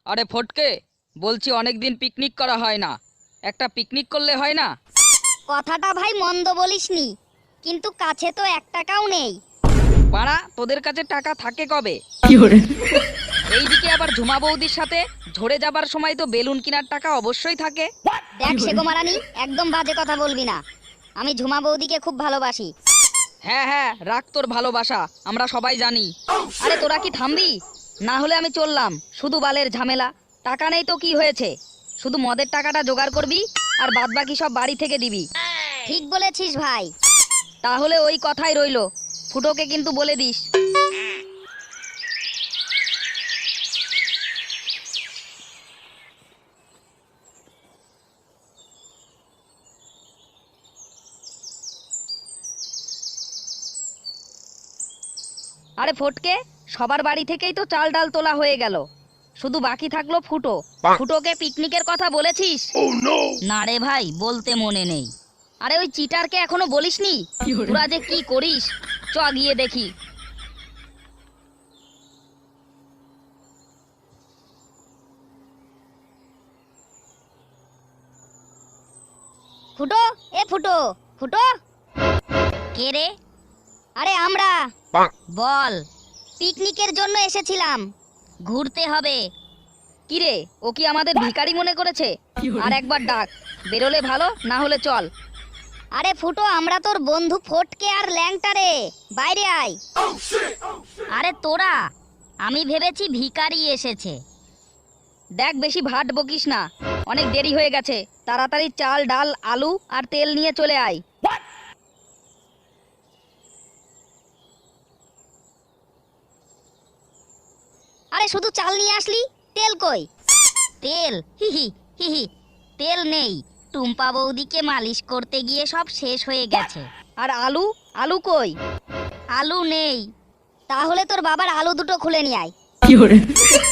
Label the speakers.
Speaker 1: আরে ফটকে, বলছি অনেকদিন পিকনিক করা হয় না, একটা পিকনিক করলে হয় না?
Speaker 2: কথাটা ভাই মন্দ বলিসনি, কিন্তু কাছে তো 1 টাকাও নেই।
Speaker 1: বাড়া, তোদের কাছে টাকা থাকে কবে? এইদিকে আবার ঝুমা বৌদির সাথে ঝরে যাবার সময় তো বেলুন কেনার টাকা অবশ্যই থাকে।
Speaker 2: দেখ শেগোমারানি, একদম বাজে কথা বলবি না। আমি ঝুমা বৌদিকে খুব ভালোবাসি।
Speaker 1: হ্যাঁ হ্যাঁ, রাখ তোর ভালোবাসা, আমরা সবাই জানি। আরে তোরা কি থামবি? না হলে আমি চললাম। শুধু বালের ঝামেলা। টাকা নেই তো কি হয়েছে, শুধু মদের টাকাটা জোগাড় করবি আর বাদবাকি সব বাড়ি থেকে দিবি।
Speaker 2: ঠিক বলেছিস ভাই।
Speaker 1: তাহলে ওই কথাই রইলো, ফুটোকে কিন্তু বলে দিস। আরে ফটকে, সবার বাড়ি থেকেই তো চাল ডাল তোলা হয়ে গেল, শুধু বাকি থাকলো ফুটো। ফুটোকে পিকনিকের কথা বলেছিস? না রে ভাই, বলতে মনে নেই। আরে ওই চিটারকে এখনো বলিসনি? তোরা যে কি করিস, চ গিয়ে দেখি।
Speaker 2: ফুটো, এ ফুটো, ফুটো।
Speaker 1: কে রে?
Speaker 2: আরে আমরা।
Speaker 1: বল।
Speaker 2: পিকনিকের জন্য এসেছিলাম।
Speaker 1: ঘুরতে হবে। কি রে, ও কি আমাদের ভিখারি মনে করেছে? আর একবার ডাক, বেরোলে ভালো, না হলে চল।
Speaker 2: আরে ফুটো, আমরা তোর বন্ধু ফটকে আর ল্যাংটা রে, বাইরে আয়।
Speaker 1: আরে তোরা, আমি ভেবেছি ভিখারি এসেছে। দেখ, বেশি ভাট বকিস না, অনেক দেরি হয়ে গেছে। তাড়াতাড়ি চাল ডাল আলু আর তেল নিয়ে চলে আয়।
Speaker 2: আরে শুধু চাল নিয়ে আসলি, তেল কই?
Speaker 1: তেল? হিহি হিহি, তেল নেই। টুম্পা বৌদিকে মালিশ করতে গিয়ে সব শেষ হয়ে গেছে। আর আলু? আলু কই? আলু নেই।
Speaker 2: তাহলে তোর বাবার আলু দুটো খুলে নিয়ে আয়।